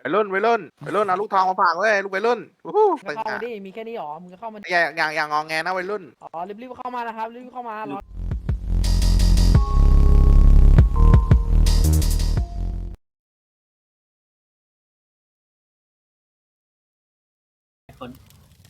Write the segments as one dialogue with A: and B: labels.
A: วัยรุ่นเอาลูกทองมาฝากเว้ยลูกวัยรุ่นวู้ฮู้
B: ก็
A: ตึงอ่ะ
B: เข้ามาดิมีแค่นี้หรอมึงก็เข้ามาดิ
A: อย่างงองแงนะวัยรุ่น
B: อ๋อรีบๆเข้ามานะครับรีบๆเข้ามารอ
C: คน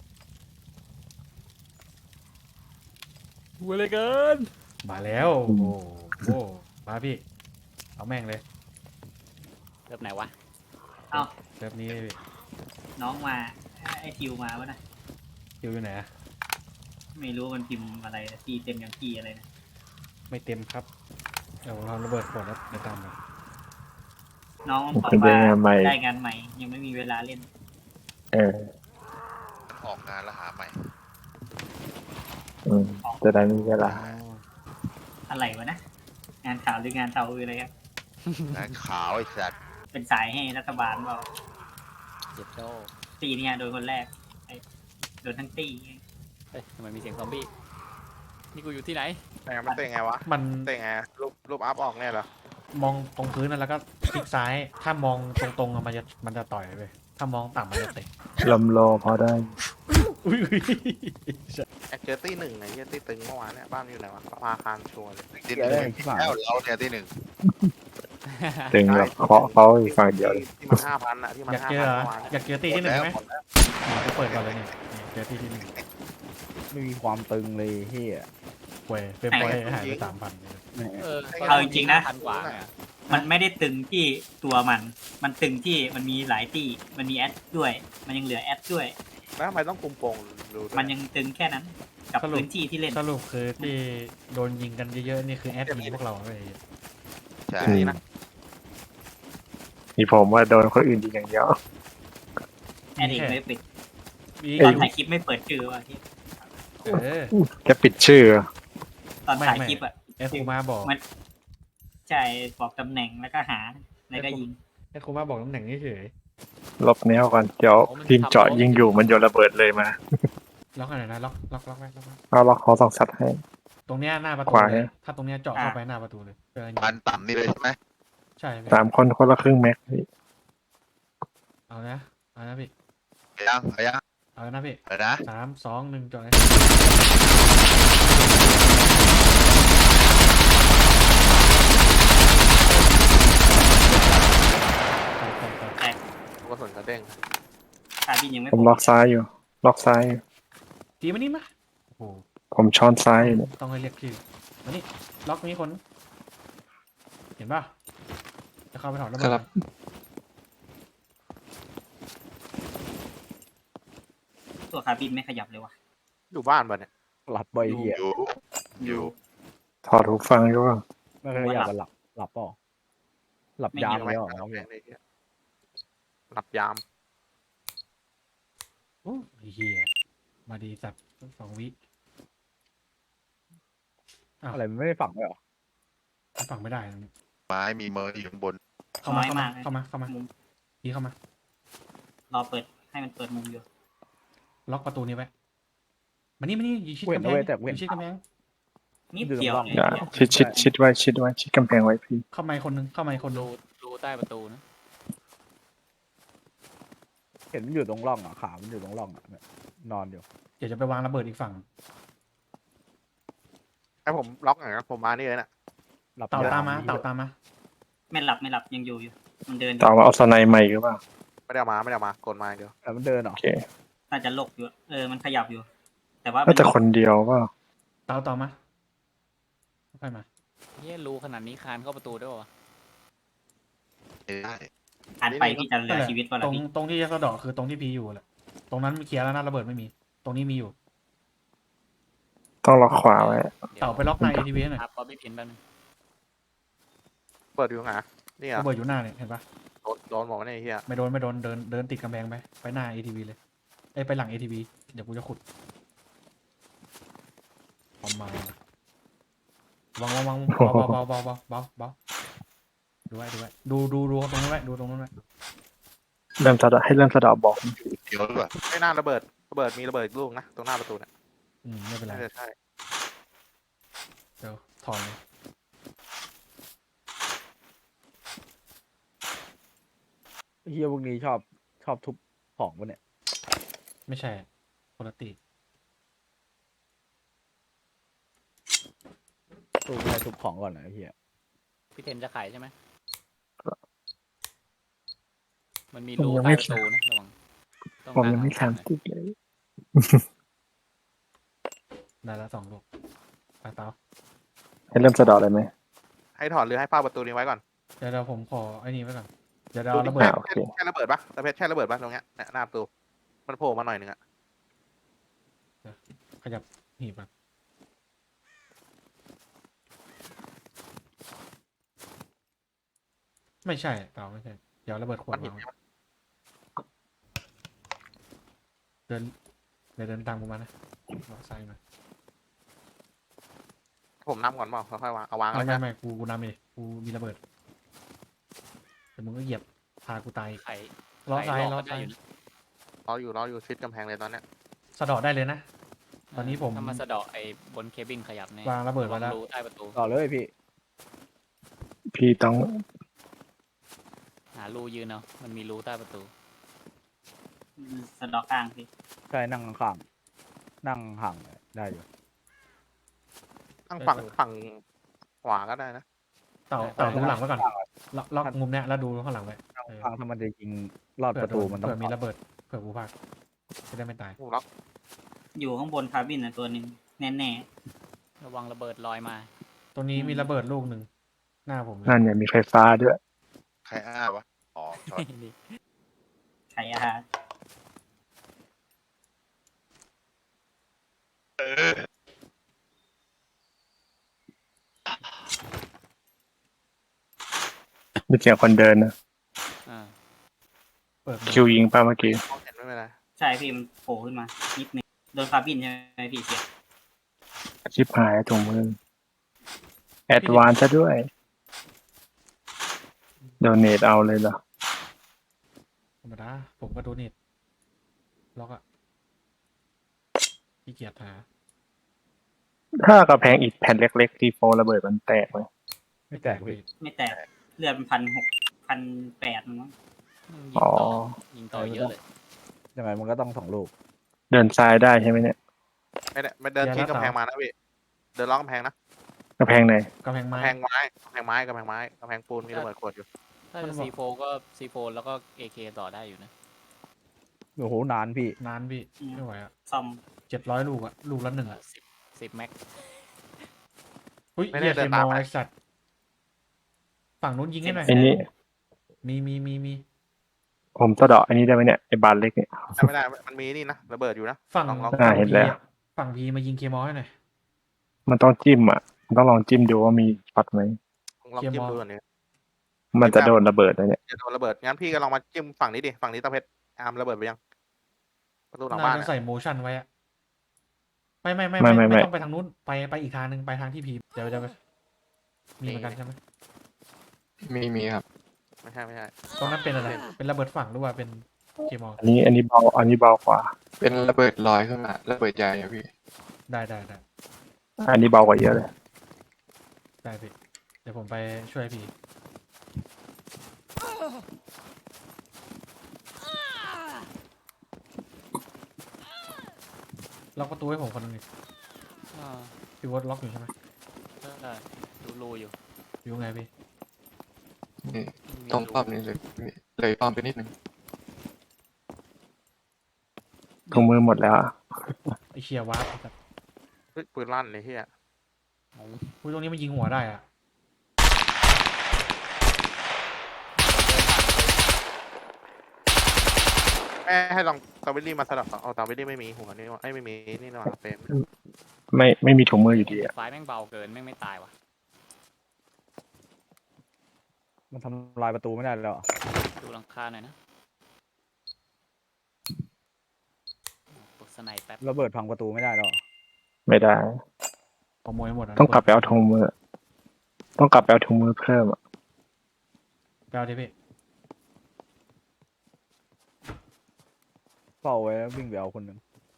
D: หัวเลยเกินมาแล้วโอ้โหมาพี่เอาแม่งเลย
E: เริ่มไหนวะ
C: เอ้า
D: เซิร์ฟนี้เลยพี่
C: น้องมาไอคิวมาวะนะ
D: คิวอยู่ไหนอะ
C: ไม่รู้มันพิมพ์อะไรนะทีเต็มยังทีอะไรนะ
D: ไม่เต็มครับเดี๋ยวเราระเบิดขวดแล้วเดี๋ยวตามมา
C: น้องบอก
F: เป็น
C: ว่า
F: งานใหม่
C: ได้งานใหม่ ยังไม่มีเวลาเล่น
F: เออ
G: ออกงานแล้วหาใหม่
F: อืมจะได้มีเวลา
C: อะไรวะนะงานข่าวหรืองานเตาอะไรครับ
G: งานขาวไอ้สัตว์
C: เป็นสายให้รัฐบาลเปล่า
E: เจ็บโจ้
C: ตีเนี่ยโดนคนแรกไอ้โดนทั้งตี
E: เฮ้ยทำไมมีเสียงซอมบี้ นี่กูอยู่ที่ไหน
A: แต่มันเตะไงวะ
D: มัน
A: เตะไงรูปอัพออกเนี่ยเหรอ
D: มองตรงพื้นนะแล้วก็คลิกซ้าย ถ้ามองตรงๆอะมันจะต่อยไปถ้ามองต่ำมันจะเตะ
F: ลำโลพอได้
D: อุ้ย
A: แอคเจอร์ตี้หนึ่งไงเหี้ยตี้ตึงเมื่อวานเนี่ยบ้านมันอยู่ไหนวะพาคารชัวร์เลย
G: ที่หนึ่งแล้วเราเนี่ยที่หนึ่ง
F: ถึงแบบเคาะเขาอีกฝั่งเดียวเลย
A: ที่มัน5,000อะที่มัน
D: อยาก
A: 5,000
D: เจอเหรอ
A: เมื่อวาน
D: อยากเจอตีที่หนึ่งไหม
G: หมดแล้ว
D: จะเปิดก่อนเลยนี่เจอที่หนึ่ง
H: ไม่มีความตึงเลยเฮีย
D: ป่วยเป็นป่วยหายไป3,000
E: เออ
C: เอาจริงๆนะ
E: พันกว่าเนี่ย
C: มันไม่ได้ตึงที่ตัวมัน มันตึงที่มันมีหลายตีมันมีแอดด้วย มันยังเหลือแอดด้วย
A: แล้วทำไมต้องคุมโปงดูด้วย
C: มันยังตึงแค่นั้น กับพื้นที่ที่เล่น
D: สรุปคือที่โดนยิงกันเยอะๆนี่คือแอดยิงพวกเราเลย
G: ใช่
A: นี่นะ
F: มีผมว่าโดนคนอื่นดีอย่างเดียว
C: แอดเองไม่ปิด
D: มี
C: ตอนถ่ายคลิปไม่เปิดชื่อว่ะที่
D: เออ
F: แค่ปิดชื่อ
C: ตอนถ่ายคลิปอ่ะ
D: ไอ้ครูมาบอก
C: ใช่บอกตำแหน่งแล้วก็หาแล้วก็ยิง
D: ไอ้ครูมาบอกตำแหน่งเฉย
F: ลบแนวก่อน เดี๋ยวทีมเจาะยิงอยู่มันโยนระเบิดเลยมา
D: ล็อกอะไรนะล็อกไว้
F: เอาล็อกคอสองสัตว์ให้
D: ตรงเนี้ยหน้าประตู
F: ขวา
D: เลยถ้าตรงเนี้ยเจาะเข้าไปหน้าประตูเลยเจอ
G: พันต่ำนี่เลยใช่ไหม
D: ใช่
F: 3 คนคนละครึ่งแม็กพี่
D: เอานะพี่
G: เอายัง
D: เอานะพี่
G: เอานะ
D: 3 2 1เจาะเลยไป
A: กระสุนกระเด้ง
C: คาบินยังไม่
F: ผมล็อกซ้ายอยู่ ล็อกซ้ายอยู่
D: ทีมานี่มาโอ้โห
F: ผมช้อนซ้ายอยู่เนี่ย
D: ต้องให้เรียกชื่อมานี่ล็อกนี้คน เห็นป่ะจะเข้าไปถอดระเบิด
C: ตัวคาบินไม่ขยับเลยว่ะ
A: อยู่บ้านป่ะเนี่ย
H: หลับบ่อยเฮีย
G: อยู่
F: ถอดหูฟังอยู่ว่า
H: ไม่เคยอยากจะหลับเปล่าหลับยาม
A: ไม่
H: แล้ว
A: ไม่
H: เหรอ
A: ไม่ไม่ไม่หลับยาม
D: โอ้เฮียมาดีสัตว์2 วิ
H: อะไรมันไม่ได้ฝังเลยเหรอ
D: ฝั่งไม่ได้
G: ไม้มีเมอร์อยู่ข้างบน
D: เข้ามา
C: น้อย
D: เข้ามาม
C: าก
D: เข้ามา
C: มุม
D: พี่เข้ามาร
C: อเปิดให้มันเปิดมุมอยู่
D: ล็อกประตูนี้ไว้มานี่อยู่ชิด
H: เว้น
D: กำแพ
H: เอา
D: ง
H: ไว้แต่เว้
D: อน ยู่ชิดกำแพง
C: นิดเดียวเลย
F: อย่าชิดไว้ชิดกำแพงไว้พี่
D: เข้ามาคนนึง
E: รูใต้ประตูนะ
H: เห็นมันอยู่ตรงร่องอ่ะขามันอยู่ตรงร่องอ่ะเนี่ยนอนอยู่
D: เดี๋ยวจะไปวางระเบิดอีกฝั่ง
A: ให้ผมล็อกหน่อยนะผมมานี่เลยน่ะ
H: หลับ
D: เต่าย ตามมา
H: เหี้ย
D: เต่าตามมา
C: ไม่หลับยังอยู่อยู่ มันเดินอยู่
F: ต่อมาเอาสไนใหม่หรือเปล่า
A: ไม่ได้เอามากดมาอย่างเดียว
H: แต่มันเดินเหรอ
F: โอเค
C: น่าจะลกอยู่มันขยับอยู่ แต่ว่า
F: น่าจะคนเดียวว่า
D: เต่ามาค่อยมา
E: เฮียรูขนาดนี้คานเข้าประตูได้ปะวะ
G: ได้
C: อ่านไปที่จะเหลือชีวิตว่า
D: ต
C: ละ
D: รง
C: พี่
D: ตรงที่จะสะเดาะคือตรงที่พีอยู่แหละตรงนั้นเคลียร์แล้วนะระเบิดไม่มี ตรงนี้มีอยู่
F: ต้องล็อกขวาไว้
D: เต่าไปล็อกใน ATV หน่อย
E: ครับป๊อปปี้พินแป๊บนึง
A: เปิดอยู่ไงนี่เหรอ
D: ระเบิดอยู่หน้าเนี่ยเห็นปะ
A: โดนบอกว่าเนี่ยไอ้เฮีย
D: ไม่โดนเดินติดกำแพงไปหน้า ATV เลยไปหลัง ATV เดี๋ยวกูจะขุดเอามาวางเบาดูไว้ดูตรงนั้นไว้ดูตรงนั้นไว้
F: เริ่มสะเดาะบอก
G: เดี๋ยวด้วย
A: ไม่น่าระเบิดมีระเบิดอีกลูกนะตรงหน้าประตูเนี่ย
D: ไม่เป็นไร
A: น่าจะใช่
D: เดี๋ยวถอนเลย
H: ไเฮียพวกนี้ชอบทุบของปะเนี่ย
D: ไม่ใช่คนละตี
H: ตู้ไม่ให้ทุบของก่อนนะไอ้เฮีย
E: พี่เทนจะขายใช่ไหมมันมี
F: ผม
E: รู
F: ยัง
E: ใต้
F: ไม่
E: ประตูนะระวังต้อง
F: ผมยังไม่
E: หา
F: 30เลย
D: ได้แล้ว2 ลูกไปเตา
F: ให้เริ่มสะเดอกเลยไหม
A: ให้ถอดหรือให้เฝ้าประตูนี้ไว้ก่อน
D: เดี๋ยวผมขอไอ้นี่ไว้ก่อนเดี๋ยวเอาระเบิด
F: โอเค
A: แค่ระเบิดปะตะเพชรแค่ระเบิดปะตรงเนี้ยเนี่ยหน้าประตูมันโผล่มาหน่อยหนึ่งอะ
D: ขยับหีบก่อนไม่ใช่เตาไม่ใช่เดี๋ยวระเบิดขวด
A: มันหิน
D: วางเดินเดินตามกูมานะรอซ้ายมา
A: ผมนำก่อนเปล่าค่อยๆวางเอาวาง
D: ไม่
A: แล้ว
D: ไม่
A: ใช่
D: ไม่กูนำเองกูมีระเบิดแต่มึงก็เหยียบพากูตาย
E: ไข่
D: ล้อซ้าย
E: ไข่
D: ล้อ
E: ก็ได้
D: ซ้าย
E: อยู่
A: รออยู่ชิดกำแพงเลยตอนเนี้ย
D: สะเดาะได้เลยนะ ตอนนี้ผม
E: ถ้ามาสะเดาะไอ้บนเคบินขยับแน่
D: วางระเบิดไว้แล้ว
E: รูใต้ประตู
H: ต่อเลยพี่
F: พี่ต้อง
E: หารูยืนเอามันมีรูใต้ประตู
C: สะเดอกกลางพี่
H: ใช่นั่งข้างๆนั่งห่างได้อยู่
A: ตั้งฝั่งขวาก็ได้นะ
D: เต่าดูหลังไว้ก่อนล็อกมุมเนี้ยแล้วดูข้างหลังไว้
H: นั่งข้างถ้ามันจะยิงลอดประตูมันต้อง
D: เผื่อมีระเบิดเผื่อกูพลาดจะได้ไม่ตาย
A: หูล็อก
C: อยู่ข้างบนคาบินนะตัวหนึ่งแน่
E: ระวังระเบิดลอยมา
D: ตรงนี้มีระเบิดลูกหนึ่งหน้าผมเลย
F: นั่นเนี่ยมีไฟฟ้าด้วย
G: ใครอ้าวะอ๋อช็อต
C: ๆไข่อาหาร
F: มีเสียงคนเดินนะ
E: อ่า
D: เปิด
F: คิวยิงป่ะเมื่อกี้
A: มองเห็นไม่เป็นไร
C: ใช่พี่มันโผล่ขึ้นมานิดนึงโดนคาบินใช่ไหมพี่เสีย
F: ชิบหายถุงมือแอดวานซะด้วยโดเนทเอาเลยเหรอ
D: ธรรมดาผมก็โดเนทล็อกอะขี้เกียจหา
F: ถ้ากระแพงอิฐแผ่นเล็กๆทีโฟระเบิดมันแตกเลย
H: ไม่แตกพี่
C: ไม่แตกเลือดมัน1,600 1,800มั้ง
E: ยิง
F: อ๋อ
E: ต่อยิงต่อเยอะเลย
H: ยังไงมันก็ต้อง2 ลูก
F: เดินซ้ายได้ใช่ไหมเนี่ย
A: ไม่ได้ไม่เดินชิดกำแพงมานะพี่เดินล้อกำแพงนะ
F: กระแพงไหน
D: กำแพงไม้
A: กำแพงไม้กำแพงไม้กำแพงไม้กำแพงปูนมีระเบิดขวดอยู่
E: ถ้าจะซีโฟก็ซีโฟแล้วก็เอเคต่อได้อยู่นะ
H: โอ้โหนานพี่
D: นานพี่ไม่ไหวอะ
C: ซ่อม
D: 700 ลูกอะลูกละ1อะ
E: 10แม็ก
D: อุ้ยเหี้ยเคมอลไอสัตว์ฝั่งนู้นยิงให้หน่อย
F: ไอ้นี่
D: มี
F: ผมสะเดาะอันนี้ได้ไหมเนี่ยไอ้บานเล็กเนี่ย
A: แต่ไม่ได้มันมีนี่นะระเบิดอยู่นะ
D: ฝั่ง
A: ลอง
F: เห็นแล้ว
D: ฝั่งพีมายิงเคมอลให้หน่อย
F: มันต้องจิ้มอ่ะมันต้องลองจิ้มดูว่ามีช็อตไหม
A: ลองจิ้มดูก่อนเนี่ย
F: มันจะโดนระเบิดเลยเนี่ย
A: จะโดนระเบิดงั้นพี่ก็ลองมาจิ้มฝั่งนี้ดิฝั่งนี้ตะเพชรอาร์มระเบิดไปยังประตูหลัง
D: น่า
A: บ้าน
D: จะ
A: เนี่ย
D: ใส่โมชั่นไว้อะไม่
F: ไม่
D: ต้องไปทางนู้นไปอีกทางหนึ่งไปทางที่พีเดี๋ยวมีเหมือนกันใช่ไหม
G: มีครับ
A: ไม่ใช่
D: ตรงนั้นเป็นอะไรเป็นระเบิดฝั่งหรือว่าเป็นเคมอล
F: อันนี้เบาอันนี้เบากว่า
G: เป็นระเบิดลอยขึ้นมาระเบิดใหญ่อะพี่
D: ได้
F: อันนี้เบากว่าเยอะเลย
D: ได้พี่เดี๋ยวผมไปช่วยพี่ล็อกประตูให้ผมคนนึงดิ
E: อ่า
D: พี่วอตล็อกอยู่ใช่ไหม
E: ได้ดูรูอยู่
D: อยู่ไงพี่
G: นี่
E: มี
G: ตรง
E: รู
G: ป้อมนี้เลยป้อมไปนิดนึง
F: ถุงมือหมดแล้วอะ
D: ไอเชียวาร์ปครับ
A: เฮ้ยปืนลั่นเลยเฮีย
D: อุ้ยตรงนี้มันยิงหัวได้อะ
A: ให้ลองตาวิลลี่มาสลับเอาตาวิลลี่ไม่มีหัวนี่ว่าไม่มีนี่นะเฟรม
F: ไม่มีถุงมืออยู่ดีอ่ะ
E: ไฟแม่งเบาเกินแม่งไม่ตายว่ะ
H: มันทำลายประตูไม่ได้แล้วเหรอ
E: ดูหลังคาหน่อยนะปลดสไนแป๊บ
H: ระเบิดพังประตูไม่ได้แล้วเหรอ
F: ไม่ได้
D: ขโมยหมดะ
F: ต้องกลับไปเอาถุงมือ ต้องกลับไปเอาถุงมือเพิ่มอ่ะ
D: ไปเอาดิพี่
H: เฝ้าไว้แล้ววิ่งไปเอาคนหนึ่ง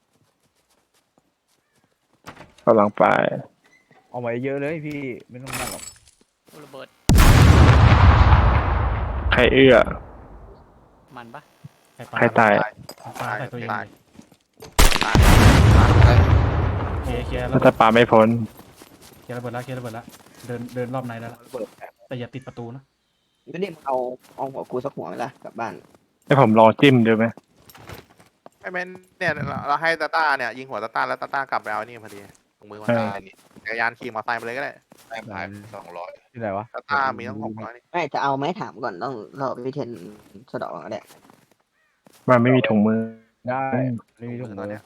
F: กำลังไป
H: เอาไว้เยอะเลยพี่ไม่ต้องนั่งหรอก
E: ระเบิด
F: ใครเอื้อ
E: มันปะ
D: ปลา
F: ใครตาย
D: ปลาใส่ตัวเอง
A: ตาย
D: เลย
A: ตาย
D: เคลียร์
F: น่าจะปาไม่พ้น
D: เคลียร์ระเบิดแล้วเคลียร์ระเบิดแล้วเดินรอบในแล้วล่ะ
H: เปิดแอบ
D: แต่อย่าติดประตูนะ
I: ไม่ได้เอาหัวกูสักหัวไหมล่ะกลับบ้าน
F: ให้ผมลองจิ้มดูไหม
A: ไอ้แมนเนี่ยเราให้ตาต้าเนี่ยยิงหัวตาต้าแล้วตาต้ากลับไปเอานี่พอดีถุงมือมาได้นี่จักรยานขี่มอเตอร์ไซค์ไปเลยก็ได้
G: ได้ขาย200
H: ที่ไหนวะ
A: ตาต้ามีตั้ง600นี่
I: ไม่จะเอาไหมถามก่อนต้องรอพี่เทนสะเดอกก็ได้
F: มันไม่มีถุงมือ
H: ได้ไม่มีถุง
A: ต
H: มื
A: อน
H: อ
A: เนี้ย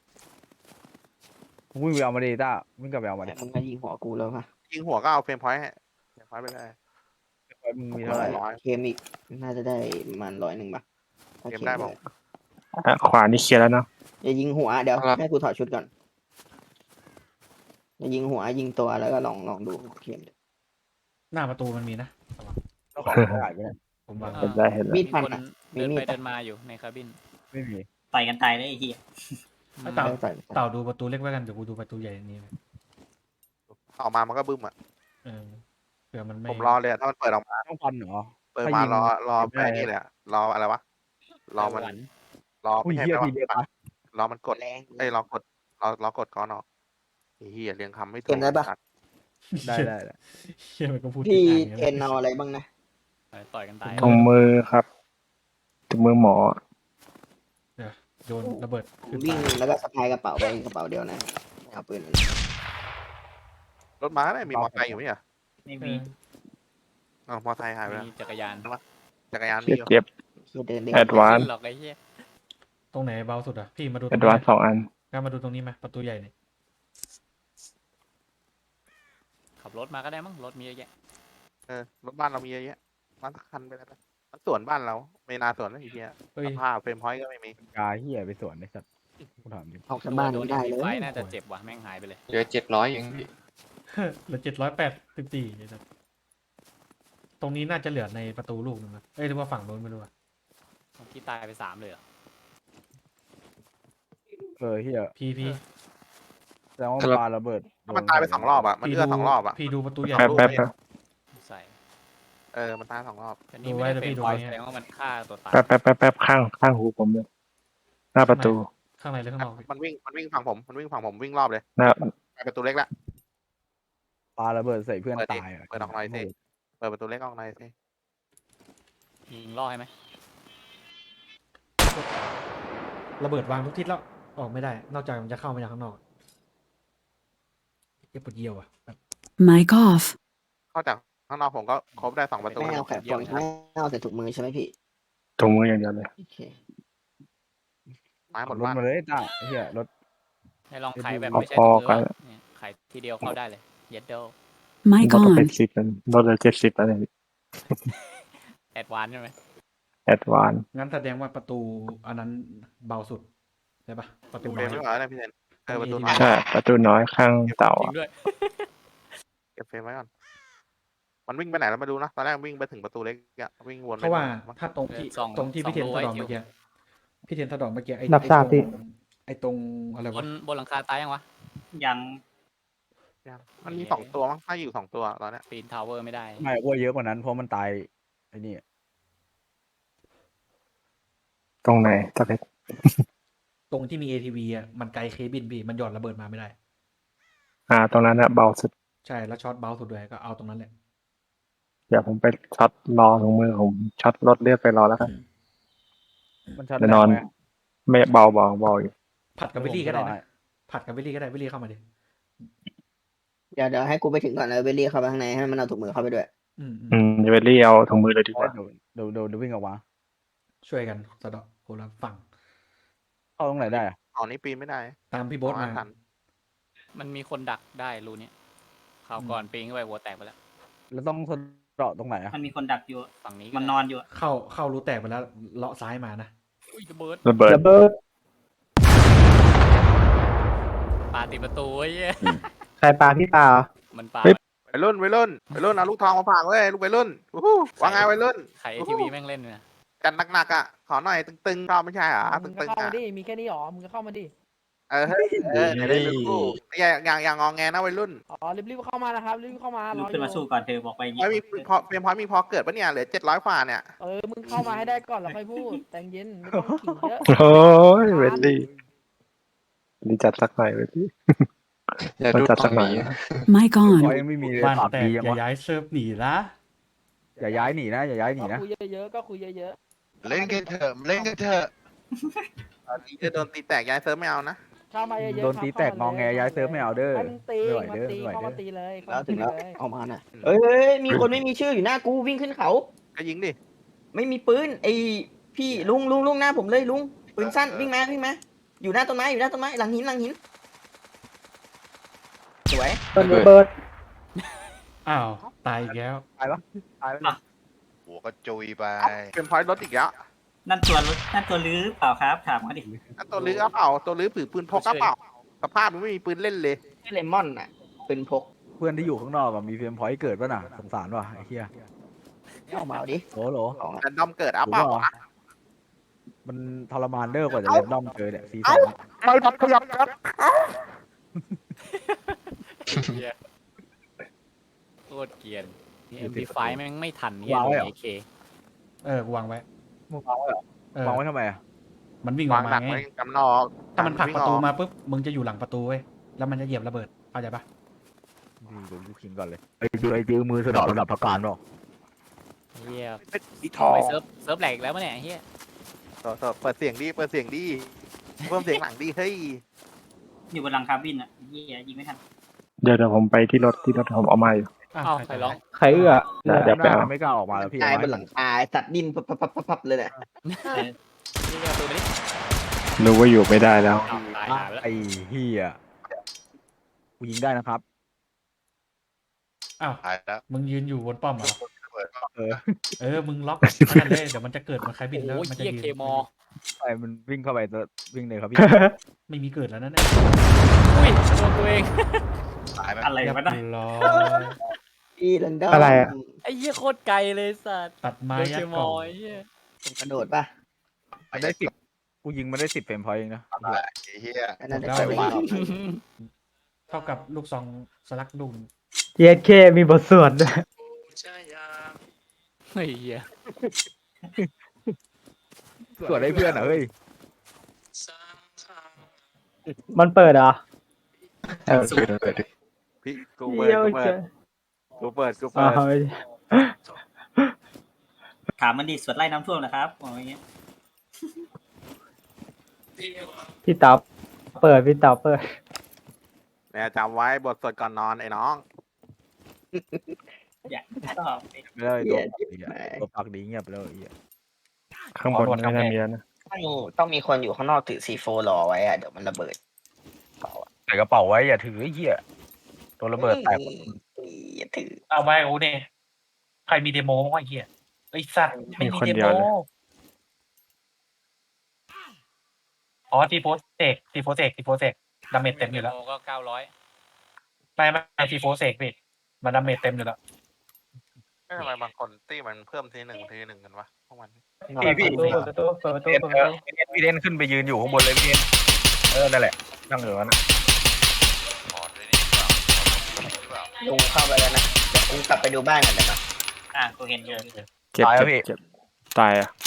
H: มึงวิ่งไปเอามาดิต้าวิ่งกลับไปเอามาดิ
I: มึงมายิงหัวกูแล้วป่ะ
A: ยิงหัวก็เอาเฟรมพอยต์ให้เฟรมพอยต์ไปเลย
H: มึงมีเท่าไหร่
A: ร้อย
I: เคมอีกน่าจะได้ประมาณ100ป่ะถ้า
A: เกมได้บอก
F: อ่ะขวานี่เคลียร์แล้วเนาะ
I: อย่ายิงหัวเดี๋ยว
G: ครับ
I: ให้กูถอดชุดก่อนอย่ายิงหัวยิงตัวแล้วก็ลองดูเคม
D: หน้าประตูมันมีนะ
H: ต้องขอถ่ายไปเนี่ย
D: ผมวาง
F: เห็นได้เห็นแล้ว
I: มีด
E: มี
I: ฟัน
E: คน
I: อ่ะมี
E: เดิน
I: มี
E: ไป
I: ด
E: เดินมาอยู่ในคาบิน
H: ไม่มี
C: ต่อยกันตายได้ไอ้เหี้ย
D: ไม่เต่า
I: ใส่
D: เต่าดูประตูเล็กไว้กันเดี๋ยวกูดูประตูใหญ่นี้
A: ออกมามันก็บึ้มอ่ะ
D: เผื่อมันไม่
A: ผมรอเลยอะถ้ามันเปิดออกมา
H: ต้องฟันเหรอ
A: เปิด
H: ถ้า
A: มา
H: ยิง
A: รอ
H: ไม่
A: ไป
H: ได้
A: นี่เลยอะรออะไรวะรอมัน
E: หวาน
A: รอ
H: อุ้ย
A: ไม่ใช่
H: เฮีย
A: แปล
H: ทีเดียว
A: ว่า
H: ปะ
A: รอมันกด
I: แรง
A: เอ้ยรอกดรอกดก้อนออกไอ้เฮียเรียงคำไม่ถู
I: เกมได้ปะ
A: สัตว์
H: ได้ได้ได้
D: เชี่ยมันก็พูด
I: พี่
D: ติด
I: เทนเอาอะไรบ้างนะ
E: ต่อยกันตาย
F: ถุงมือครับถุงมือหมอ
D: โยนระเบิดขึ้น
I: วิ่ง
D: ฟ้า
I: แล้วก็สะพายกระเป๋าไปกระเป๋าเดียวนะเอาปืนมัน
A: รถม้าเนี่ยมีมอเตอร์ไซค์อยู่ไหมอ่ะ
C: ไม่มี
A: อ๋อมอเตอร์ไซค์หายไปแล้ว
E: มีจักรยาน
A: จักรยาน
F: เจ็
A: มี
F: บ
A: อยู่
F: เจ็บ
I: คือเดิน
F: แอดวาน
E: หรอกไอ้เหี้ย
D: ตรงไหนเบาสุดอ่ะพี่มาดูต
F: แอ
D: รง
F: ด
D: นี้
F: วาน2 อัน
D: ก็มาดูตรงนี้ไหมประตูใหญ่เนี่ย
E: ขับรถมาก็ได้มั้งรถมีเยอะแยะ
A: รถบ้านเรามีเยอะแยะมาสักคันไปแล้วกันมันสวนบ้านเราไม่นาสวนนะไอ้เฮีย
D: เฮ้ย
A: สภาพเฟรมพอยต์ก็ไม่มี
H: กาเฮียไปสวนไอ้สัตว์กูถามจริง
I: ออกจากบ้าน
E: โด
I: ไม่
E: น
I: ได้
E: มี
I: เลย
E: ไฟน่าจะเจ็บว่ะแม่งหายไปเลย
G: เหลือ700เองพี่
D: เหลือ784นะครับตรงนี้น่าจะเหลือในประตูลูกนึงนะเอ้ยหรือว่าฝั่งโน้นไม่รู้อะ
E: เมื่อกี้ตายไป3เลยเหรอ
H: เฮีย
D: พี่
H: แสดงว่าปาระเบิด
A: ถ้ามันตายไป2 รอบอ่ะมัน
D: พี่
A: เลือด2 รอบอ่ะ
D: พี่ดูประตูใหญ่
F: แป๊บแป๊บแป๊บ
E: ใส่
A: มันตาย2 รอบ
E: แต่นี่
D: ดู
E: ไม่
D: ไว้
E: ได้
D: เดี๋ยว
E: เป็น
D: พี่ดู
E: พอย
D: ไว้
E: แสดงว่ามันฆ่าตัวตาย
F: แป๊บข้างหูผมเลยหน้าประตู
D: ข้างในหรือข้างนอกพี่
A: มันวิ่งฝั่งผมวิ่งรอบเลย
F: หน้า
A: ไปประตูเล็กละ
H: ปาระเบิดใส่เพื่อน
A: เปิดดิ
H: ตายะ
A: เปิดออกหน่อยสิ เปิดประตูเล็กออกในอยสิ
E: ยิงล่อให้ไหม
D: ระเบิดวางทุกทิศแล้วออกไม่ได้ นอกจากมันจะเข้ามาจากข้างนอกเจ็บปวดเยี่ยวอ่ะแบบ
J: Mic off.
A: เข้าจากข้างนอกผมก็ครบได้2 ประตู
I: ไม่เอาแขนฟองไม่เอาใส่ถุงมือใช่ไหมพี่
F: ถุงมืออย่างเดียวเลย
I: โอเค
A: ไม้หม
H: ขั
A: ด
H: บรถ
A: บ้าน
H: มาเลยต้าไอ้เฮียรถ
E: ให้ลองไขแบบ
F: เอา
E: ไม่ใช่
F: พอ
E: ตัว
F: กัน
E: เนี่ยไขทีเดียวเข้าได้เลยเย็ดเดล
J: Mic
F: รถเป็
J: on.
F: น10แล้วรถเหลือ70แล้วเนี่ย
E: แอดวานใช่ไหม
F: แอดวาน
D: งั้นแสดงว่าประตูอันนั้นเบาสุดใช่ปะประตู
A: เฟร
D: น้อ
A: ม
D: ย
A: ไม่เหรอเนี่ยพี่เทนประตูน้อย
F: ใช่ประตูน้อยข้างเต่า
E: จริ
F: อะ
E: งด้วย
A: เก็บเฟรมไว้ก่อนมันวิ่งไปไหนแล้วมาดูนะตอนแรกวิ่งไปถึงประตูเล็กอะวิ่งวน
D: เพราะว่า
A: ไป
D: ถ้าตรงที่ตรงที่พี่เทนสะดอกเมื่อกี้พี่เทนสะดอกเมื่อกี้ไอ้
B: รับทราบพี่
D: ไอ้ตรงอะไร
E: บ
D: วะ
E: นหลังคาตายยังวะ
C: ยัง
A: มันมี2 ตัวมั้งถ้าอยู่2 ตัวตอนเนี้ย
E: ปีนทาวเวอร์ไม่ได้
H: ไม่ว่าเยอะกว่านั้นเพราะมันตายไอ้นี่
F: ตรงไหนตะเพชร
D: ตรงที่มี ATV อ่ะมันไกลเคบินพี่มันหย่อนระเบิดมาไม่ได้
F: ตรงนั้นอะเบาสุด
D: ใช่แล้วช็อตเบาสุดด้วยก็เอาตรงนั้นแหละ
F: เดี๋ยวผมไปช็อตรอถุงมือผมช็อตรถเลือดไปรอแล้วกัน
H: มันชัด
F: เดี๋ยวนอน
H: ไหม
F: ไม่เบาอยู่
D: ผัดกับวิลลี่ก็ได้นะผัดกับวิลลี่ก็ได้วิลลี่เข้ามาดิ
I: เดี๋ยวให้กูไปถึงก่อนแล้วเบลลี่เข้าไปข้างในให้มันเอาถุงมือเข้าไปด้วย
F: เดี๋ยวไปเรียเอาถุงมือเลยดีกว่า
H: เดี๋ยววิ่งออกมา
D: ช่วยกันสะเดอกคนละฝั่ง
H: เข้าตรงไหนได้อะ
A: ตอนนี้ปีนไม่ได้
D: ตามพี่โบ๊ทมา
A: ทัน
E: มันมีคนดักได้รูเนี้ยข่าวก่อนปีนเข้าไปหัวแตกไปแล้ว
H: แล้วต้องสะเดาะตรงไหนอะ
C: มันมีคนดักอยู่
E: ฝั่งนี้
C: มันนอนอยู่
D: เข้ารูแตกไปแล้วเลาะซ้ายมานะ
E: อุ้ยระเบิด
F: ระเบิด
B: ระเบิด
E: ปาติดประตูไอ้เหี้ย
B: ใครปาพี่ปา
E: มันปา
A: วัยรุ่นเอาลูกทองมาฝากเว้ยลูกวัยรุ่นวู้ฮู้ว่าไงวัยรุ่น
E: ไขทีวีแม่งเล่นเนี่ย
A: กันหนักๆอ่ะขอหน่อยตึงๆชอบไม่ใช่เหรอ
B: มึง
A: ตึ
B: ก็
A: งๆ
B: เข้า
A: อ่ะ
B: มาดิมีแค่นี้หรอมึงก็เข้ามาดิ
A: เฮ้ยได้ลูกอย่างงอแงนะวัยรุ่น
B: อ๋อรีบเข้ามานะครับรีบเข้ามาร
C: ลุ
B: อก
C: ขึ้นมาสู้ก่อนเธอบอกไปอย่าง
A: พอยมี
C: งี้
A: พอเป็นพอยมีพอเกิดปะเนี่ยเหลือ700กว่าเนี่ย
B: มึงเข้ามาให้ได้ก่อนแล้วค่อยพูดแต่เย็นไม่ต้องขิงเยอะ
F: โอ้ยเวลลี่ดีจัดสักหน่อยเวลลี่
G: อย่าดู
F: จัด
G: ต
F: สั
G: ร
F: ก
G: ง
F: หน่อย
G: นี้
F: นะ
J: Mic
H: พอ
J: on.
H: ยังไม่มีเลย
D: บ้าน
H: 3
D: แตก
H: ปียัง
D: อย่าว
H: ะ
D: ย้ายเซิร์ฟหนีละ
H: อย่าย้ายหนีนะอย่าย้ายหนี
B: ก็
H: นะ
B: คุยเยอะๆก็คุยเยอะ
G: เล่นกันเถอะเล่นกันเถอะ
A: ตอนนี้จะโดนตีแตกย้ายเซิร์ฟไม่เอานะ
B: ๆเข้ามาเยอะๆ
H: โดนตีแตกงอแงย้ายเซิร์ฟไม่เอาเด้อ
B: ให้มึงตี
H: ไม่ไหว
B: มา
H: เด้อ
B: ตี
H: ไม่ไหว
B: เข้า
H: เด้
B: มา
H: อ
B: ตีเลย
I: แล้วถึงแล้ว
B: เข้ามาตีเลย
I: ออกมาน่ะมีคนไม่มีชื่ออยู่หน้ากูวิ่งขึ้นเขา
A: ก็ยิงดิ
I: ไม่มีปืนไอพี่ลุงหน้าผมเลยลุงปืนสั้นวิ่งมาอยู่หน้าต้นไม้หลังหินสวย
D: อ้าวตายอีกแล้ว
H: ตายปะตายปะ
G: หัวก็จุยไป
A: เป็นพอยรถอีกแล้ว
C: นั่นตัวรถนั่นตัวลื้อเปล่าครับถามเขาดิ
A: ตัวลื้อเอาเปล่าตัวลื้อปืนพกเอาเปล่าสภาพมันไม่มีปืนเล่นเลย
I: ชื่อเลมอนน่ะปืนพก
H: เพื่อนที่อยู่ข้างนอกอะมีเฟรมพอยต์เกิดป่ะน่ะสงสารว่ะไอ้เหี้ย
I: ออกมาเอาดิ
H: โหล
I: ของ
A: แรนดอมเกิดเอาเปล่า
H: มันทรมานเด้อกว่าจะเล่นด้อมเจอเนี่ยซีซั่น
A: ไม่ทันขยับครับ
E: โคตรเกรียนเอ็มพีไฟแม่งไม่ทันเนี่ยโดนเอเค
D: กูวางไว้
H: มึงวางไว้เหรอ วางไว้ทำไมอะ
D: มันวิ่งอ
A: วา
D: อง ก
A: หนั
D: มาก ไง
A: ไว้กำนอก
D: ถ้ามันผลักประตูมาปุ๊บมึงจะอยู่หลังประตูเว้ยแล้วมันจะเหยียบระเบิดเข้าใจปะ
H: นี่เดี๋ยวกูขิงก่อนเลยไอ้ดื้อมือสนอระดับพักการบอก
E: เฮีย
A: อีท
E: ทอ
A: อง
E: เซิร์ฟแหลกอีกแล้วมั้ยเนี่ยเฮีย
A: เปิดเสียงดีเพิ่มเสียงหลังดีเฮ้ย
C: อยู่บนหลังคาบินอ่ะเฮียยิงไม่ทัน
F: เดี๋ยวผมไปที่รถผมเอามาอยู่
D: อ้าว
E: อ้าว
D: ใค
E: ใค
D: ร
E: ร
D: ร้
E: ร้
D: อ
E: อง ง
F: ใครเอื้อเดี๋ยวไปเอา
H: ไม่กล้าออกมาแล้วพี่
I: ตายบนหลังคาสัตว์ดิ้นพับเลยแหละ
E: นี่ก็ตัวนี้
F: รู้ว่าอยู่ไม่ได้แล้ว
E: อ้าวตายหาไปแล้ว
H: ไอ้เหี้ยกูยิงได้นะครับ
D: อ้าว
G: ตายแล้ว
D: มึงยืนอยู่บนป้อมเหรอ
H: เออ
D: มึงล็อกนั่นเลยเดี๋ยวมันจะเกิดมันใครบินแล้ว
E: โอ้ย
D: มันจะ
E: เฮีย
D: ยืน
E: เคมอ
H: ไปมันวิ่งเข้าไปจะวิ่งเลยครับพี่
D: ไม่มีเกิดแล้วนั่นแหละ
E: อุ้ยโดนตัวเอง
G: ตายไหม
C: อะไร
D: เรียบ
C: วะน่ะ
D: ร้อย
I: อีลันดอม
F: อะไรอะ
E: ไอ้เหี้ยโคตรไกลเลยสัตว์
D: ตัดไม้
E: โดน
D: ยั
E: เค
D: ด
E: ม
D: กล่
E: อ
D: อง
E: ไอ้เหี้ย
I: กระโดดป่ะ
H: มันได้10กูยิงมันได้10เฟรมพอยต์เองนะ
G: ไอ้เหี้ย
I: อันนั้นได้ใส่ไปอีก
D: เท่ากับลูกซองสลักดุม
F: เยสเคมีบทสวดด้วย
E: ไอ้เหี้ย
H: ส่วนได้เพื่อนเหรอเฮ้ย
F: มันเปิดเหรอ
G: เปิดดิ
A: พี่กู
F: เยี่ยวเจอ
A: เปิด
F: อ๋อ
C: ถามมันดิสวดไล่น้ำท่วมนะครับบอกอย่างเงี้ย
F: พี่เต๋าเปิดพี่เต๋าเปิด
A: เนี่ยจำไว้บทสวดก่อนนอนไอ้น้อง
C: อยากชอบ
H: ไม่ได้ตัวปากดีเงียบไปแล้วไอ้เหี้ย
F: ข้างบนไม่น่ามีแล้วนะ
I: ต้องมีคนอยู่ข้างนอกถือC4รอไว้อะเดี๋ยวมันระเบิด
H: ใส่กระเป๋าไว้อย่าถือไอ้เหี้ยตัวระเบิดแตก
I: อย่าถือ
K: เอาไปโอ้เนี่ยใครมีเดโมบ้างวะไอ้เหี้ยไอ้สัตว์ไม่มีเดโมอ๋อทีโฟเซกดาเมจเต็มอยู่แล้ว
E: ก็900
K: ไม่ทีโฟเซกพี่มันดาเมจเต็มอยู่แล้ว
A: ทำไมบางคนตี้มันเพิ่มทีหนึ่งกันวะพวกมัน
F: พี่
K: เปิดประตู
H: พี่เดนขึ้นไปยืนอยู่ข้างบนเลยพี่เดนนั่นแหละนั่งอยู่นั่น
G: ถอดเลยนี่เปล่าหรือเปล่า
I: ลุงเข้าไปแล้วนะเดี๋ยวกูกลับไปดูบ้านกันเดี๋ยวนะ
C: กูเห็นเยอะ
F: เจ็บตายอ่ะ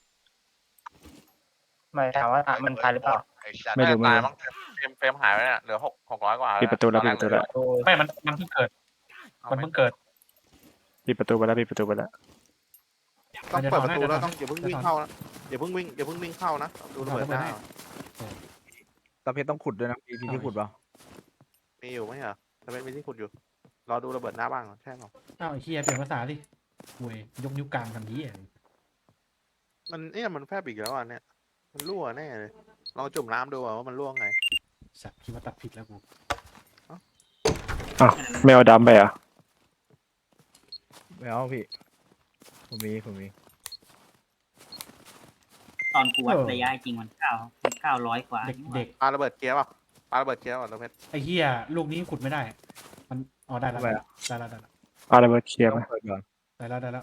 K: ไม่ถามว่ามันตายหรือเปล่า
G: ไอ้สัตว์
F: ไม่รู้
A: ตายมั้งเฟรมหายไปเนี่ยเหลือ600กว่า
F: ปิดประตูแล้วปิดประตูแล้ว
K: ไม่มันเพิ่งเกิดมันเพิ่งเกิด
F: ปิดประตูไปแล้วปิดประตูไปแล้ว
A: ต้องเปิดประตูแล้วต้องอย่าเพิ่งวิ่งเข้านะอย่าเพิ่งวิ่งเข้านะดูระเบิดหน้า
H: ตาเพชรต้องขุดด้วยนะพี่ที่ขุดเปล่า
A: มีอยู่ไหมเหรอแต่เป็นมีที่ขุดอยู่รอดูระเบิดหน้าบ้างใช่หรอ
D: อ้าวไอ้เฮียเปลี่ยนภาษาดิเว้ยยกนิ้วกลางทำนี้อ่ะ
A: มันแฟบอีกแล้วอ่ะเนี่ยมันรั่วแน่เลยลองจุ่มน้ำดูว่ามันรั่วไง
D: สัตว์คิดว่าตัดผิดแล้วกู
F: ไม่เอาดำไปอ่ะ
H: ไม่เอาพี่ผมมี
C: ตอนกูวัดระยะจริงมัน900กว่า
D: เด็ก
A: ปาระเบิดเกียร์ป่ะปาระเบิดเกียร์ป่ะตัวเพชร
D: ไอ้เฮียลูกนี้ขุดไม่ได้ มันอ๋อได้แล้วได้แล้ว
F: เอาระเบิดเคลียร์
H: ต้อ
F: ไหม
H: งเปิดก่อน
D: ได้แล้ว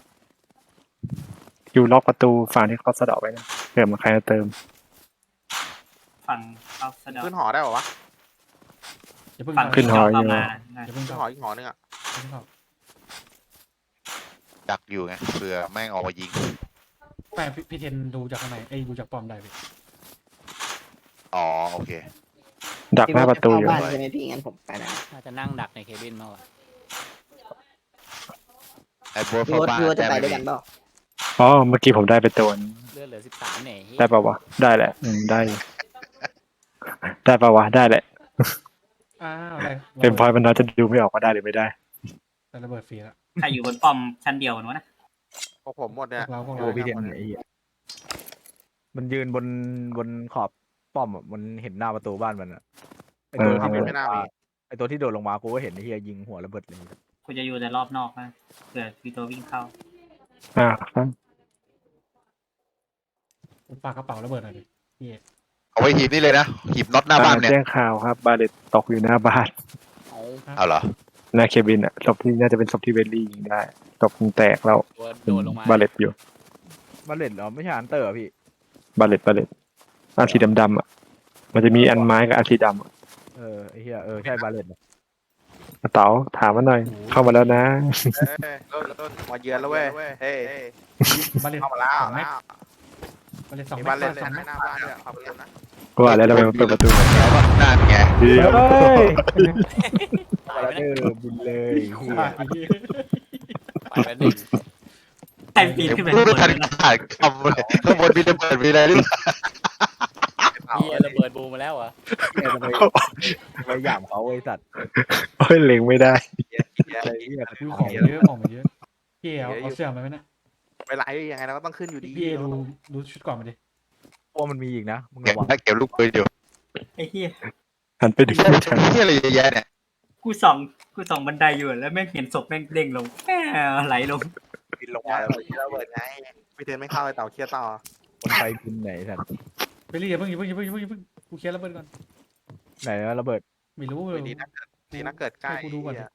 F: อยู่ล็อกประตูฝั่งที่เขาสะเดาะไว้นะเผื่อมันใครจะเติม
C: ไฟฝั่งเขาสะดอก
A: ขึ้นหอได้ป่าวะ
D: อย่าเพิ่ง
C: ฝั่ง
D: เข้า
F: ขึ้นหอ
C: เข้า
F: อยู่
C: มานะ
D: อย่าเพิ่ง
A: ขึ้น
D: เข้า
A: หออีกหอนึงอ่ะ
D: อย่าเพิ่งเข้า
G: ดักอยู่ไงเผื่อแม่งออกมายิง
D: แม่พี่เทนดูจากข้างในดูจากป้อมได้พี่
G: อ๋อโอเค
F: ดักหน้าประตูอยู่
I: บ้านใช่ไหมพี่งั้นผมไปนะ
E: น่าจะนั่งดักในเคบินมากกว่า
G: ไอ้บัว
I: พี่
G: ฟ้า
I: โอ๊ต
G: บ้า
I: พี่โอ๊ตจะไป
G: แต่
I: ด้วยกันเปล่า
F: อ๋อเมื่อกี้ผมได้ไปตัวนึง
E: เลือดเหลือ13เนี่ยเฮ้ย
F: ได้ปะวะได้แหละได้อยู่ได้ปะวะได้แหละ
D: อ้าวอะไร
F: เป็นพอยมันน่าจะดูไม่ออกว่าได้หรือไม่ได้
D: แต่ระเบิดฟรีแล้ว
C: ใครอยู่บนป้อมชั้นเดียวกันวะนะ
A: พวกผมหมดเนี่ย
D: พวก
H: โอ้
D: เรา
H: พี่เทียนไอ้เหี้ยมันยืนบนขอบป้อมอะมันเห็นหน้าประตูบ้านมันอะไอตัวที่โดด
A: ไม่น่ามี
H: ไอตัวที่โดดลงมากูก็เห็นไอ้เหี้ยยิงหัวระเบิดเลย
C: กูจะอยู่แต่รอบนอกนะเผื่อมีตัววิ่งเข้า
F: ครับ
D: ฝากกระเป๋าระเบิดหน่อยดิพี่
G: เอาไว้หีบนี่เลยนะหีบน็อตหน้าบ้านเนี่ย
F: แจ้งข่าวครับบาเลตตกอยู่หน้าบ้าน
G: เอาเหรอ
F: หน้าเคบินอ่ะศพที่น่าจะเป็นศพที่เวลลี่ยิงได้ศพมันแตกแล้ว
E: โดดลงมา
F: บาเลตอยู่
H: มันเล่นเหรอไม่ใช่อันเตอร์เหรอพี่
F: บาเลตอันสีดำๆอ่ะมันจะมีอันไม้กับอันสีดำอะ
H: ไอ้เหี้ยใช่บาเลต
F: เต๋าถามมาหน่อย เข้ามาแล้วนะ
A: ต้นมาเยือนแล้วเว้ยเฮ้ย
D: บ้านเลน
A: เข้ามาแล้ว
D: สองเมตรบ้านเลนสอง
A: มี
D: เม
A: บ้าน
D: ต
A: เล่
D: ร
A: น
D: สองเม
A: ใน
D: ตร
A: หน้าบ้านเนี่ยเข้าไปเล่นนะ
F: ว่าแล้วเราไปเปิดประตู
G: นั่นไง
F: เดี๋ยว
E: ตายไปนะ
H: บุญเลย
D: ว่าอีก
E: ตายไปหนึ่ง
C: ใครปีน
G: เดี๋ยว
C: ขึ้นไป
G: พู
C: ข้า
G: ด
C: งบ
G: ไม่ทัน
C: นนะ
G: ขาดคำเลยข้างบนมีระเบิดมีอะไรหรือเปล่า
E: เฮียระเบิดบูมมาแล้วเหรอ่ะ
H: ไปหยามเขาไอ้สัตว์
F: โอ้ยเล็งไม่ได้
H: ไอ้เหี้ย
D: วิวของเยอะของมันเยอะพี่เอาเสื้อมาไหมนะ
A: ไปไหลยังไงเราก็ต้องขึ้นอยู่ดี
D: พี่ดูชุดก่อนมาดิ
H: พวกมันมีอีกนะมึง
G: เก็บ
H: ระวัง
G: ถ้าเก็บลูกปืนอยู่
C: ไอ้เหี้ย
F: หันไปดูฉัน
G: ที่อะไรเยอะแยะเนี่ย
C: กูส่องบันไดอยู่แล้วแม่งเห็นศพแม่งเด้งลงไหลลง
A: บินลงมาระเบิดไงพี่เทนไม่เข้าเลยเต่าเคลียร์ต่อ
H: คนไทยบินไหนสัตว์
D: ไปรีอย่าเพิ่งกูเคลียร์ระเบิดก่อน
H: ไหนวะระเบิด
D: ไม่รู้เลย
A: ดีนะเกิดใกล้
D: ให้กูดูก่อนดิ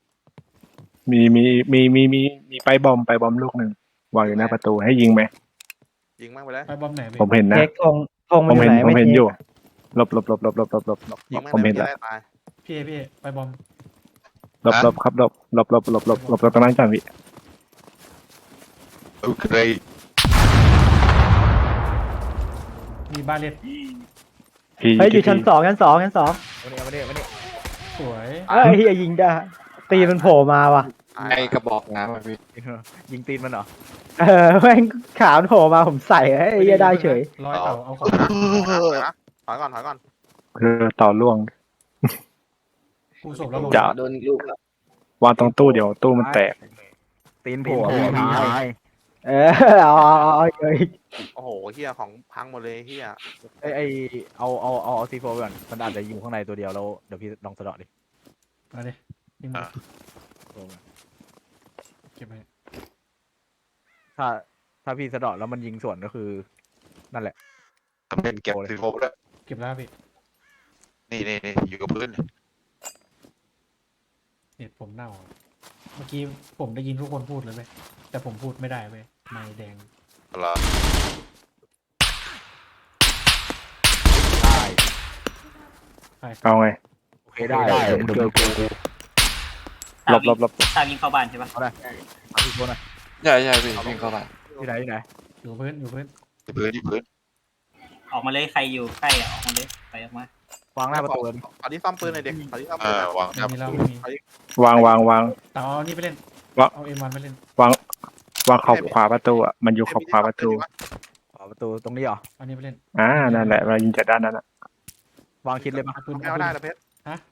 F: มีไปบอมลูกหนึ่งวางอยู่หน้าประตูให้ยิงไหม
A: ยิงมั่งไปเลย
D: ไปบอมไหนไป
F: ผมเห็นนะ
J: เช็คธง
F: ผม
J: มันอยู่
F: เห็น
J: ไหน
F: ผม
J: ไม่
F: เห็น
J: เช็ค
F: อยู่หลบ
A: ยิงมั่ง
F: ผม
A: เล
F: เห็
A: ย
F: นแล้ว
A: ได้ตาย
D: พี่ไปบอม
F: หลบครับหลบตรงนั้นก่อนพี่
G: โอเค
D: มีบ้านเลน
F: พี่
J: เฮ้ยอยู่ชั้นสองชั้นสอง
H: มาเนี่ย
D: สวย
J: เอ้ยเฮียยิงได้ตีมันโผล่มาว่ะ
A: ไอ้กระบอก
H: ยิงตีนมันเหรอ
J: แม่งขาวโผล่มาผมใส่ไอ้เฮียได้เฉย
D: ร้อยเต่าเอาของ
A: ถอยก่อน
F: ต่อล่วง
D: กูศพแล้วลง
F: จะ
I: โดนอีกลูกแล้ว
F: วางตรงตู้เดี๋ยวตู้มันแตก
H: ตีนโผล่
J: เออเอาอีก
A: โอ้โหเฮียของพังหมดเลยเฮีย
H: ไอเอาซีโฟก่อนมันอาจจะอยู่ข้างในตัวเดียวแล้วเดี๋ยวพี่ลองสะเดาะดิ
D: มาดิยิงมาเก็บไป
H: ถ้าพี่สะเดาะแล้วมันยิงสวนก็คือ นั่นแหละ
G: ทำเป็นเก็บซีโฟด้วย
D: เก็บแล้วพี่
G: นี่อยู่กับพื้น
D: เน็ตผมเน่าเมื่อกี้ผมได้ยินทุกคนพูดเลยเว้ยแต่ผมพูดไม่ได้เว้ยไม่แดง
G: เหรอ
H: ได้
F: เอาไง
H: โอเคได้เดี๋ยวกู
F: หลบ
C: ตามยิงเข้าบ้านใช่ปะ
H: เอาซีโฟหน่อย
G: ใช่พี่วิ่งเข้าไป
H: ที่ไหน
D: อยู่พื้น
G: ที่พื้น
C: ออกมาเลยใครอยู่ใกล้ออกมาเลยไปออกมาว
H: างหน้าประตูเลย
A: ขอที่ซ่อมปืนหน่อยเด็กขอที่ซ่อมปืน
G: วางครับ
D: มีเรามี
F: วาง
D: เต่าเอานี่ไปเล่น
F: วะ
D: เอาเอ็มวันไปเล่น
F: วางขอบขวาประตูอ่ะมันอยู่ขอบขวาประตู
H: ขวาประตูตรงนี้เหรอ
D: เอานี่ไปเล่น
F: นั่นแหละเรายิงจากด้านนั้นอ่ะ
H: วางคิดเลยปะ
D: เอาปืน
A: ไม่เอาได้นะเพชร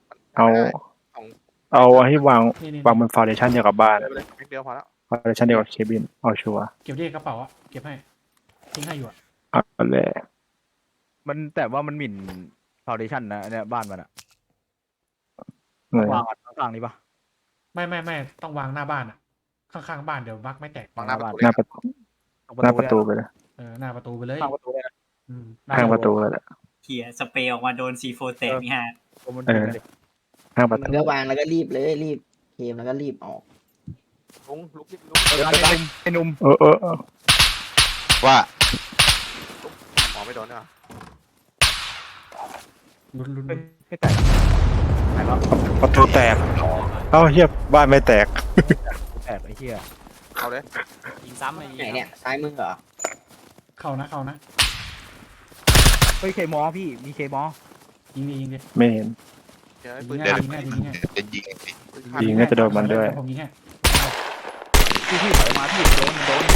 F: เอาให้วาง
D: นี่
F: วางบนฟาวเดชั่นเดียวกับบ้าน
A: ไปเลยเดียวพอแล้ว
F: ฟาวเดชั่นเดียวกับเคบินเอาชัวร์
D: เก็บที่กระเป๋าอะเก็บให้ทิ้งให้อยู่อะ
F: เอาเลย
H: มันแต่ว่ามันหมิ่นฟาวเดชั่นนะเนี่ยบ้านมันอะ
F: เลยว
H: างข้างนี้ปะ
D: ไม่ต้องวางหน้าบ้านอะข้างๆบ้านเดี๋ยวบักไม่แตก
A: วางหน้าประตู
F: หน้าประตูไปเลย
D: หน้าประตูไปเลย
H: ข้างประตูเลยนะ
F: ข้างประตูเลยแหละ
C: เขี่ยสเปรย์ออกมาโดนC4แตกนี่ฮะ
H: ตัวมันเป็นเลย
F: ข้างประ
I: มั
F: ตู
I: นก็วางแล้วก็รีบเคมแล้วก็รีบออก
A: ลุก
H: ไอ้หนุ่ม
F: เออ
G: ว่า
A: หมอไม่โดนเนี่ย
D: ลุ้นลุ้น
H: ไม่แตกหายแล้ว
F: ประตูแตกเอ้าเฮียบ้านไม่แตก
H: แตกไอ้เหี้ย
A: เอาเลย
E: ยิงซ้ำเลย
I: ไหนเนี่ยซ้ายมือเหรอ
D: เข้านะเข้านะ
H: เฮ้ยเคมอพี่มีเคมอ
D: ยิงดิยิงดิ
F: ไม่เห็น
A: เดี๋ยวให้ปื
D: ยิ
A: น
D: ง
A: เด็ด
D: ง่ายยิงง่ายยิงง่าย
G: จะยิง
F: ยิงน่าจะโดนมันด้วย
D: ผมยิงให้
H: พี่ถอยมาพี่โดนพี่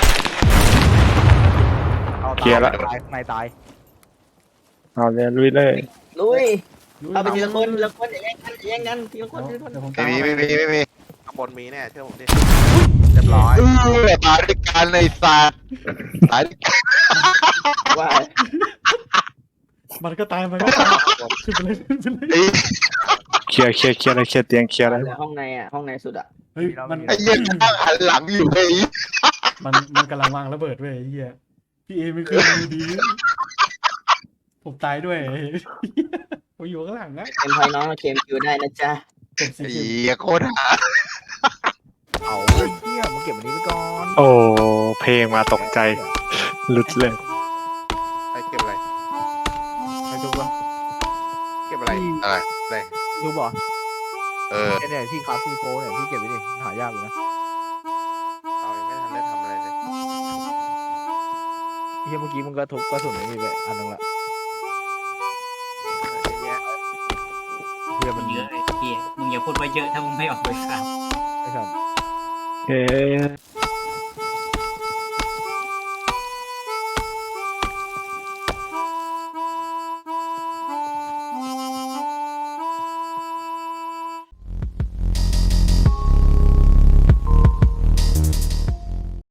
H: เอา
F: เคลียร์ละ
H: ตายข้างในตาย
F: เอาเลยลุยเลย
I: ลุย
D: ลุย
I: เอาไปทีละคนทีละคนอย่าแย่งกันอย่าแย่งกันทีละคนทีละคน
D: เดี๋ยวผม
G: ไม่
D: ตาม
G: มี
D: เข้าไป
G: ไม่มี
A: ข้างบนมีแน่เชื่อผมดิเรียบร้อย
G: ตายด้วยกันในสัตว์ตายด้วยกัน
I: ว่า
D: มันก็ตายมันก็ตายขึ้นไปเลยขึ้นไปเลย
F: เคลียร์เลยเคลียร์เตียงเคลียร์เลย
I: ห้องในอ่ะห้องในสุดอ่ะ
D: เฮ้ยมัน
G: ไอ้เหี้ยข้างหันหลังอยู่ไอ้
D: มันกำลังวางระเบิดเว้ยไอ้เหี้ยพี่เอไม่ขึ้นมือดี ผมตายด้วยผมอยู่ข้างหลังนะ
I: เกมพอยน้องเราเกมคิวได้นะจ๊ะ
D: เก็บสิ
G: ไอ้
D: เก็บ
G: เหี้ยโคตรหา
H: เอาไอ้เหี้ยมึงเก็บอันนี้ไปก่อน
F: โอ้เพลงมาตกใจหลุดเลย
A: ไอ้เก็บอะไร
H: ไปดูวะ
A: เก็บอะไร
G: อะไร
H: ดูบ่
G: เออ
H: เนี่ยที่คาซีโฟเนี่ยพี่เก็บไว้ดิหายากอยู่นะ
A: เอายังไม่ทันได้ทำอะไรเลย
H: เฮียเมื่อกี้มึงก็ทุบกระสุนนี่ไปอันนึงละ
A: เยอะแยะ
H: เฮีย
C: มั
H: มัน น
C: เยอะไอ้พี่มึงอย่าพูดว่าเยอะถ้ามึงไม่ออกไปครับ
H: ไอ้สัตว์
F: เฮ้